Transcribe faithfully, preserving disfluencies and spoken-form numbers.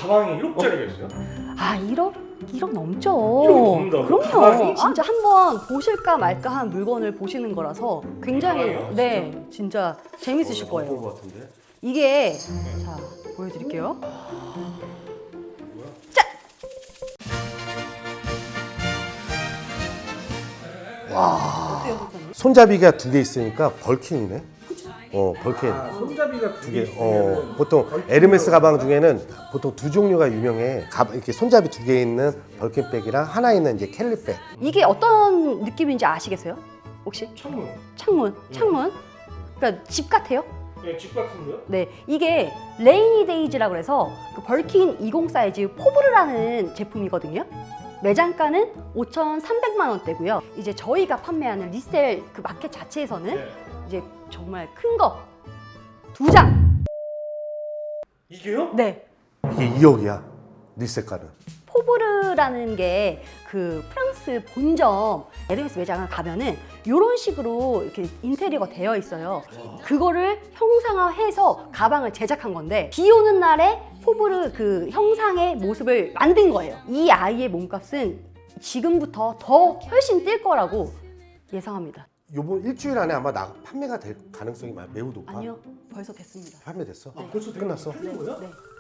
가방이 일억짜리가 있어요? 아 일억? 일억 넘죠. 일억 넘는다고요? 그럼요. 가방이? 진짜 한번 보실까 말까 한 물건을 보시는 거라서 굉장히 가방이요? 네 진짜 재밌으실 어, 나 거예요. 본것 같은데? 이게 자 보여드릴게요. 짠! 와. 어때요, 선생님? 손잡이가 두 개 있으니까 벌킨이네. 어, 벌킨. 아, 손잡이가 두 개. 어, 보통 에르메스 가방 중에는 보통 두 종류가 유명해. 가, 이렇게 손잡이 두 개 있는 벌킨백이랑 하나 있는 이제 캘리백. 이게 어떤 느낌인지 아시겠어요? 혹시? 창문. 창문, 창문. 그러니까 집 같아요. 네, 집 같은데요? 네, 이게 레이니 데이즈라고 해서 그 벌킨 이십 사이즈 포브르라는 제품이거든요. 매장가는 오천삼백만 원대고요. 이제 저희가 판매하는 리셀 그 마켓 자체에서는 네. 이제 정말 큰 거 두 장. 이게요? 네. 이게 이억이야. 리셀가는. 포브르라는 게 그 프랑스 본점 에르메스 매장을 가면은 이런 식으로 이렇게 인테리어가 되어 있어요. 그거를 형상화해서 가방을 제작한 건데 비 오는 날에 포브르 그 형상의 모습을 만든 거예요. 이 아이의 몸값은 지금부터 더 훨씬 뛸 거라고 예상합니다. 요번 일주일 안에 아마 나 판매가 될 가능성이 많- 매우 높아. 아니요, 벌써 됐습니다. 판매됐어? 네. 벌써 되게 끝났어? 팔린 거야? 네.